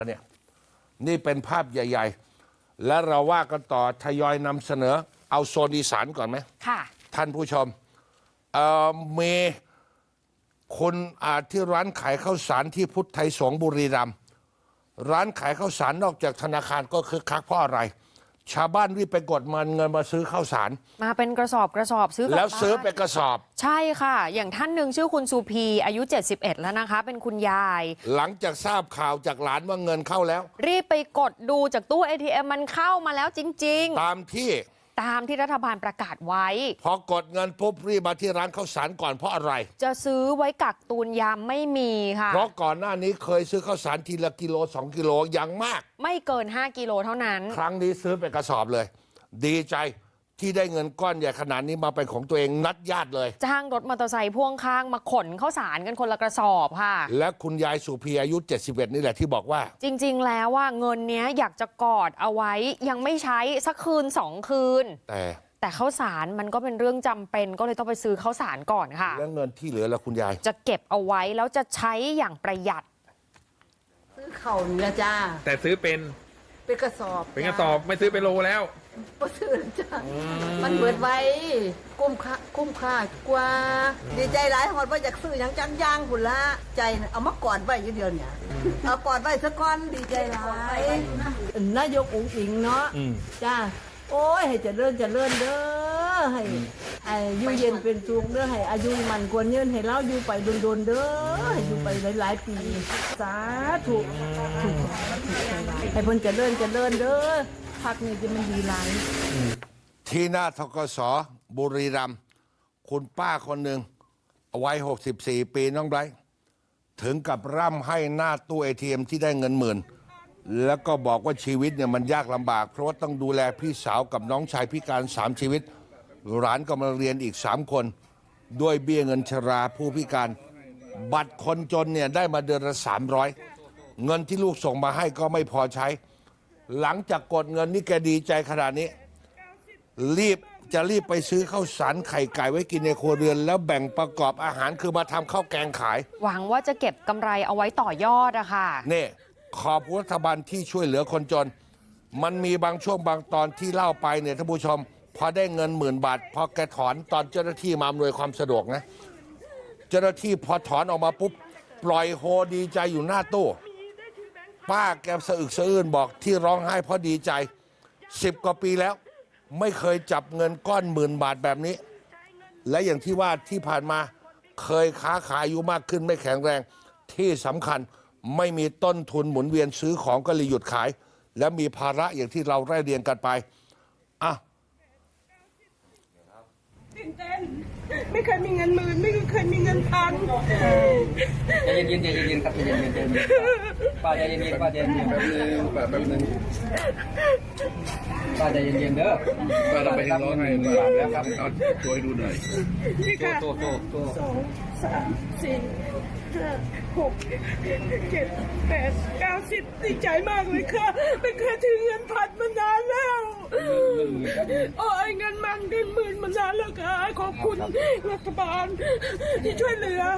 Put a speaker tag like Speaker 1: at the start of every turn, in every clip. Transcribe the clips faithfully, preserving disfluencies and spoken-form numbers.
Speaker 1: เนี่ยนี่เป็นภาพใหญ่ๆและเราว่ากันต่อทยอยนำเสนอเอาโซนอีสานก่อนไหมค่ะท่านผู้ชมเอ่อมีคนอาที่ร้านขายข้าวสารที่พุทธไทยสงฆ์บุรีรัมย์ร้านขายข้าวสารนอกจากธนาคารก็คึกคักเพราะอะไรชาวบ้านรีบไปกดมันเงินมาซื้อข้าวสาร
Speaker 2: มาเป็นกระสอบกระสอบซื้อ
Speaker 1: แล้วซื้อเป็นกระสอบ
Speaker 2: ใช่ค่ะอย่างท่านหนึ่งชื่อคุณสุพีอายุเจ็ดสิบเอ็ดแล้วนะคะเป็นคุณยาย
Speaker 1: หลังจากทราบข่าวจากหลานว่าเงินเข้าแล้ว
Speaker 2: รีบไปกดดูจากตู้ เอ ที เอ็ม มันเข้ามาแล้วจริง
Speaker 1: ๆตามที่
Speaker 2: ตามที่รัฐบาลประกาศไว้
Speaker 1: พอกดเงินปุ๊บรีบมาที่ร้านข้าวสารก่อนเพราะอะไร
Speaker 2: จะซื้อไว้กักตุนยามไม่มีค่ะ
Speaker 1: เพราะก่อนหน้านี้เคยซื้อข้าวสารทีละกิโลสองกิโลอย่างมาก
Speaker 2: ไม่เกินห้ากิโลเท่านั้น
Speaker 1: ครั้งนี้ซื้อเป็นกระสอบเลยดีใจที่ได้เงินก้อนใหญ่ขนาดนี้มาเป็นของตัวเองนัดญาติเลย
Speaker 2: จ้างรถมอเตอร์ไซค์พ่วงข้างมาขนข้าวสารกันคนละกระสอบค่ะ
Speaker 1: และคุณยายสุพีอายุเจ็ดสิบเอ็ดนี่แหละที่บอกว่า
Speaker 2: จริงๆแล้วว่าเงินเนี้ยอยากจะกอดเอาไว้ยังไม่ใช้สักคืนสองคืน
Speaker 1: แต่
Speaker 2: แต่ข้าวสารมันก็เป็นเรื่องจำเป็นก็เลยต้องไปซื้อข้าวสารก่อนค่ะ
Speaker 1: แล้วเงินที่เหลือแล้วคุณยาย
Speaker 2: จะเก็บเอาไว้แล้วจะใช้อย่างประหยัด
Speaker 3: ซื้อเข่าเนื้อจ้า
Speaker 4: แต่ซื้อเป็น
Speaker 3: เป็นกระสอบ
Speaker 4: เป็นกระสอบไม่ซื้อเป็นโลแล้ว
Speaker 3: ก็ซื้อจ้ามันเบิดไว้คุ้มค่าคุ้มค่ากว่าดีใจหลายหอดว่าอยากซื้ออย่างจังย่างหุ่นละใจเอามากอดไว้อยู่เดียวเนี่ยเอากอดไว้สักก้อนดีใจหลายนายกอุ๋งอิงเนาะจ้าโอ้ยให้เจริญเจริญเด้อให้อยู่เย็นเป็นสุขเด้อให้อายุมันควรยืนให้เราอยู่ไปโดนๆเด้อให้อยู่ไปหลายๆปีสาธุให้เพิ่นเจริญเจริญเด้อพักนี้จะมันดีหลาย
Speaker 1: ที่หน้าธกสบุรีรัมย์คุณป้าคนหนึ่งวัยหกสิบสี่ปีน้องไบรท์ถึงกับร่ำให้หน้าตู้ เอ ที เอ็ม ที่ได้เงินหมื่นแล้วก็บอกว่าชีวิตเนี่ยมันยากลำบากเพราะว่าต้องดูแลพี่สาวกับน้องชายพิการสามชีวิตหลานก็มาเรียนอีกสามคนด้วยเบี้ยเงินชราผู้พิการบัตรคนจนเนี่ยได้มาเดือนละสามร้อยเงินที่ลูกส่งมาให้ก็ไม่พอใช้หลังจากกดเงินนี่แกดีใจขนาดนี้รีบจะรีบไปซื้อข้าวสารไข่ไก่ไว้กินในครัวเรือนแล้วแบ่งประกอบอาหารคือมาทำข้าวแกงขาย
Speaker 2: หวังว่าจะเก็บกำไรเอาไว้ต่อยอดอะค่ะ
Speaker 1: นี่ขอบรัฐบาลที่ช่วยเหลือคนจนมันมีบางช่วงบางตอนที่เล่าไปเนี่ยท่านผู้ชมพอได้เงินหมื่นบาทพอแกถอนตอนเจ้าหน้าที่มาอำนวยความสะดวกนะเจ้าหน้าที่พอถอนออกมาปุ๊บปล่อยโฮดีใจอยู่หน้าตู้ป้าแกสะอึกสะอื้นบอกที่ร้องไห้เพราะดีใจสิบกว่าปีแล้วไม่เคยจับเงินก้อนหมื่นบาทแบบนี้และอย่างที่ว่าที่ผ่านมาเคยค้าขายอายุมากขึ้นไม่แข็งแรงที่สำคัญไม่มีต้นทุนหมุนเวียนซื้อของก็เลยหยุดขายและมีภาระอย่างที่เราไล่เรียงกันไปอ่ะ
Speaker 5: ตื่นเต้นไม่เคยมีเงินหมื่นไม่เคยมีเงินพัน
Speaker 6: ใจเย็นๆใจเย็นๆครับใจเย็นๆป้าใจเย็นๆป้าใจเย็นๆแป๊บนึงแป๊บนึงป้าใจเย็นๆเด้อ
Speaker 4: ป้าเราไปร้องไห้ป้าแล้วครับเอาช่วยดูหน่อย
Speaker 5: นี่ค่ะ
Speaker 6: โตโตโต
Speaker 5: สองสามสี่ห้าหกเจ็ดแปดเก้าสิบดีใจมากเลยค่ะไม่เคยถึงเงินพันมานานแล้วโอ้ยเงินมันเงินหมื่นมานานแล้วค่ะขอบคุณรัฐบาลที่ช่วยเหลือ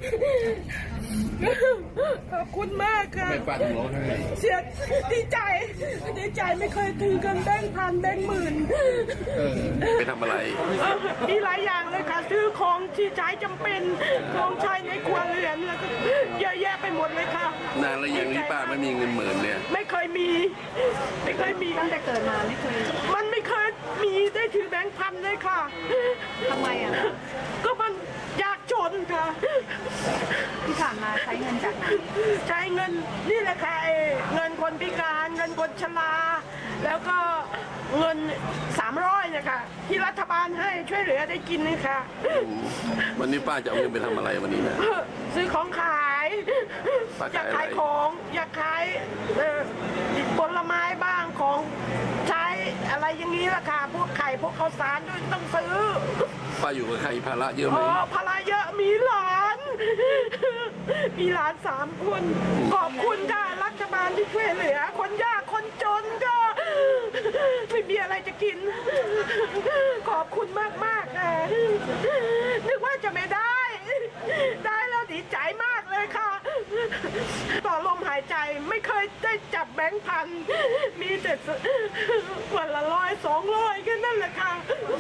Speaker 5: ขอบคุณมากค่ะเสียดีใจดีใจไม่เคยถือกันแบงค์พันแบงค์หมื่น
Speaker 4: ไปทำอะไร
Speaker 5: มีหลายอย่างเลยค่ะซื้อของที่ใช้จำเป็นของใช้ในครัวเรือนแล้วก็เยอะแยะไปหมดเลยค่ะ
Speaker 4: นานแล้วยังที่ป้าไม่มีเงินหมื่นเนี่ย
Speaker 5: ไม่เคยมีไม่เคยมี
Speaker 3: ตั้งแต่เกิดมาไม่เคย
Speaker 5: มันไม่เคยมีได้ถือแบงค์พันเลยค่ะ
Speaker 3: ทำไมอ่ะ
Speaker 5: ก็มันยากจนค่ะ
Speaker 3: ที่ผ่านมาใช้เงินจากไหน
Speaker 5: ใช้เงินนี่แหละค่ะเงินคนพิการเงินคนชราแล้วก็เงินสามร้อยนะคะที่รัฐบาลให้ช่วยเหลือได้กินนะคะ
Speaker 4: วันนี้ป้าจะเอาเงินไปทำอะไรวันนี้นะ
Speaker 5: ซื้อของขายอยากขายของอยากขายผลไม้บ้างของใช้อะไรอย่างนี้ล่ะค่ะพวกไข่พวกข้าวสารด้วยต้องซื้อ
Speaker 4: ป้าอยู่กับใครภาระเยอะไหม
Speaker 5: อ๋อภาระเยอะมีหลานมีหลานสามคนขอบคุณค่ะรัฐบาลที่ช่วยเหลือคนยากคนจนก็ไม่มีอะไรจะกินขอบคุณมากมากค่ะนึกว่าจะไม่ได้ได้แล้วดีใจมากเลยค่ะต่อลมหายใจไม่เคยได้จับแบงค์พันมีแต่วันละร้อยสองร้อยแค่นั้นแหละค่ะ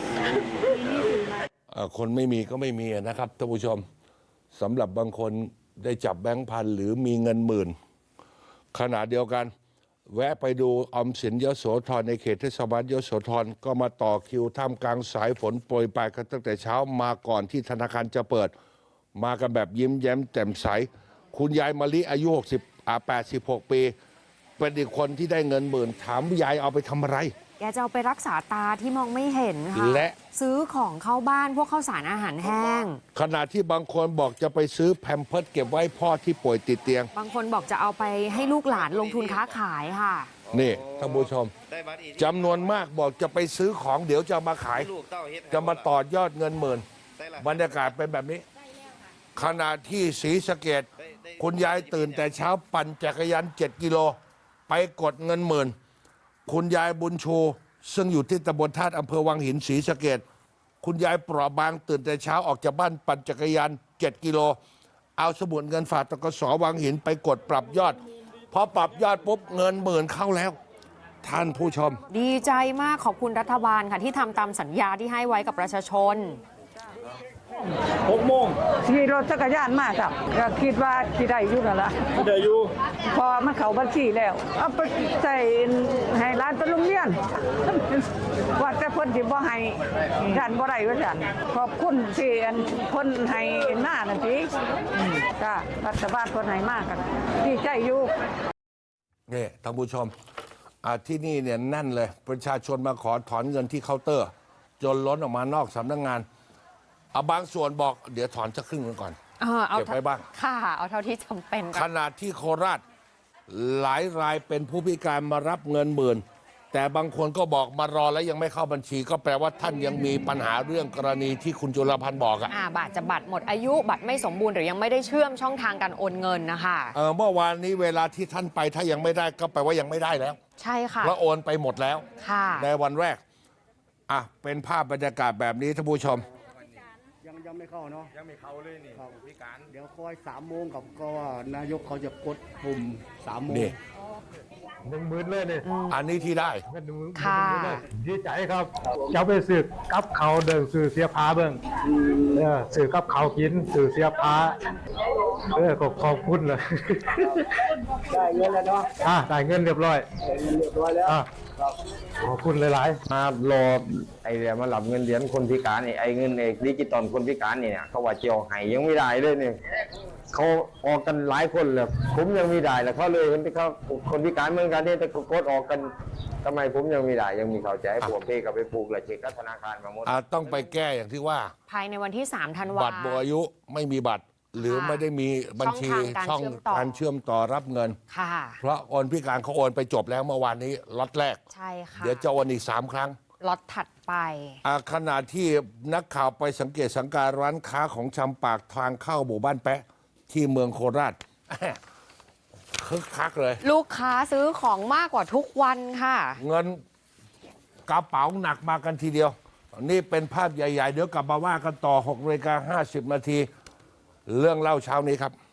Speaker 1: เอ่อคนไม่มีก็ไม่มีนะครับท่านผู้ชมสำหรับบางคนได้จับแบงค์พันหรือมีเงินหมื่นขณะเดียวกัน แวะไปดูออมสินยโสธรในเขตเทศบาลยโสธรก็มาต่อคิวท่ามกลางสายฝนโปรยปลายกันตั้งแต่เช้ามาก่อนที่ธนาคารจะเปิด มากันแบบยิ้มแย้มแจ่มใส คุณยายมะลิอายุหกสิบอ่าแปดสิบหกปี เป็นอีกคนที่ได้เงินหมื่นถามยายเอาไปทำอะไร
Speaker 2: แกจะเอาไปรักษาตาที่มองไม่เห็นค่ะ
Speaker 1: และ
Speaker 2: ซื้อของเข้าบ้านพวกข้าวสารอาหารแห้ง
Speaker 1: ขณะที่บางคนบอกจะไปซื้อแพมเพิร์สเก็บไว้พ่อที่ป่วยติดเตียง
Speaker 2: บางคนบอกจะเอาไปให้ลูกหลานลงทุนค้าขายค่ะ
Speaker 1: นี่ท่านผู้ชมจำนวนมากบอกจะไปซื้อของเดี๋ยวจะมาขาย จะมาต่อยอดเงินหมื่นบรรยากาศเป็นแบบนี้ ขณะที่ศรีสะเกษคุณยายตื่นแต่เช้าปั่นจักรยานเจ็ดกิโล ไปกดเงินหมื่น คุณยายบุญชู ซึ่งอยู่ที่ตำบลธาตุอำเภอวังหินศรีสะเกษคุณยายเปราะบางตื่นแต่เช้าออกจากบ้านปั่นจักรยานเจ็ดกิโล เอาสมุดเงินฝากตกสวังหินไปกดปรับยอดพอปรับยอดปุ๊บเงินหมื่นเข้าแล้ว ท่านผู้ชม
Speaker 2: ดีใจมากขอบคุณรัฐบาลค่ะที่ทำตามสัญญาที่ให้ไว้กับประชาชน
Speaker 7: หกโมง
Speaker 8: ขี่รถจักรยานมาครับก็คิดว่าสิได้อยู่นั่นล่ะ
Speaker 7: เดี๋ยวอยู่
Speaker 8: พอมันเข้าบัญชีแล้ว เอาไปใส่ให้ร้านไปโรงเรียน ว่าแต่เพิ่นสิบ่ให้ยันบ่ได้ว่าซั่นขอบคุณที่อันเพิ่นให้หน้านั่นสิอืมจ้ารัฐบาลเพิ่นให้มากกันดีใจอยู่
Speaker 1: นี่ท่านผู้ชมอ่าที่นี่เนี่ยแน่นเลย ประชาชนมาขอถอนเงินที่เคาน์เตอร์ จนล้นออกมานอกสำนักงานเอาบางส่วนบอกเดี๋ยวถอนสักครึ่งหนึงก่อน
Speaker 2: เออเอา
Speaker 1: เก็บไว้บ้าง
Speaker 2: ค่ะ เอาเท่าที่จำเป็น
Speaker 1: ข
Speaker 2: ก่อน
Speaker 1: ณะที่โคราชหลายรายเป็นผู้พิการมารับเงินหมื่น แต่บางคนก็บอกมารอแล้วยังไม่เข้าบัญชี ก็แปลว่าท่านยังมีปัญหาเรื่องกรณีที่คุณจุลพันธ์บอกอะ
Speaker 2: อ่าบัตรจะบัตรหมดอายุบัตรไม่สมบูรณ์หรือยังไม่ได้เชื่อมช่องทางการโอนเงินนะคะ
Speaker 1: เออเมื่อวานนี้เวลาที่ท่านไปถ้ายังไม่ได้ก็แปลว่ายังไม่ได้แล้ว
Speaker 2: ใช่ค่ะ
Speaker 1: เพราะโอนไปหมดแล้ว
Speaker 2: ค่ะ
Speaker 1: ในวันแรกอ่ะเป็นภาพบรรยากาศแบบนี้ท่านผู้ชม
Speaker 9: ยังยังไม่เข้าเนาะยังไม่เข้าเลยนี่พิการเดี๋ยวคอยสามโมงกับก็ว่านายกเขาจะกดปุ่มสามโมง
Speaker 1: นี่
Speaker 7: หนึ่งหมื่นเลยนี่
Speaker 1: อันนี้ที่ได้
Speaker 7: เงินหนึ่งหมื่น
Speaker 2: ค่ะ
Speaker 7: เลยดีใจครับเจ้าไปสืบกับเขาเดินสื่อเสียพาเบิ่งเออสื่อกับเขากินสื่อเสียพาเออขอบขอบคุณเลย
Speaker 9: ได้เงินแล้วเนาะ
Speaker 7: อ่ะได้เงินเรียบร้อย
Speaker 9: ได้เงินเรียบร้อยแล้ว
Speaker 7: อ่ะขอบคุณหลายๆ
Speaker 10: มารอไอ้เดี๋ยวมาหลับเงินเหรียญคนพิการนี่ไอ้เงินเอกดิจิตอลคนพิการนี่เนี่ยเขาว่าเจียวไห้ยังไม่ได้เลยเนี่ยเขาออกกันหลายคนเลยผมยังไม่ได้แล้วเขาเลยคนที่เขาคนพิการเหมือนกันเนี่ยแต่เขากดออกกันทำไมผมยังไม่ได้ยังมีเขาใจให้ผมเพ่กับไปผูกและเช็คกับธนาคารมาหมด
Speaker 1: อ่ะต้องไปแก้อย่างที่ว่า
Speaker 2: ภายในวันที่สามธันวา
Speaker 1: บัตรหมดอายุไม่มีบัตร หรือไม่ได้มีบัญชี
Speaker 2: ช่องทางการเชื่อมต่อ
Speaker 1: การเชื่อมต่อรับเงิน
Speaker 2: ค่ะ
Speaker 1: เพราะโอนพิการเขาโอนไปจบแล้วเมื่อวานนี้ล็อตแรก
Speaker 2: ใช่ค่ะ
Speaker 1: เดี๋ยวจะโอนอีกสามครั้ง
Speaker 2: ล็อตถัดไป
Speaker 1: อ่ะขณะที่นักข่าวไปสังเกตสังการร้านค้าของชำปากทางเข้าหมู่บ้านแปะ ที่เมืองโคราช คึกคักเลย
Speaker 2: ลูกค้าซื้อของมากกว่าทุกวันค่ะ
Speaker 1: เงินกระเป๋าหนักมากันทีเดียว นี่เป็นภาพใหญ่ ๆ เดี๋ยวกลับมาว่ากันต่อหกนาฬิกาห้าสิบนาที เรื่องเล่าเช้านี้ครับ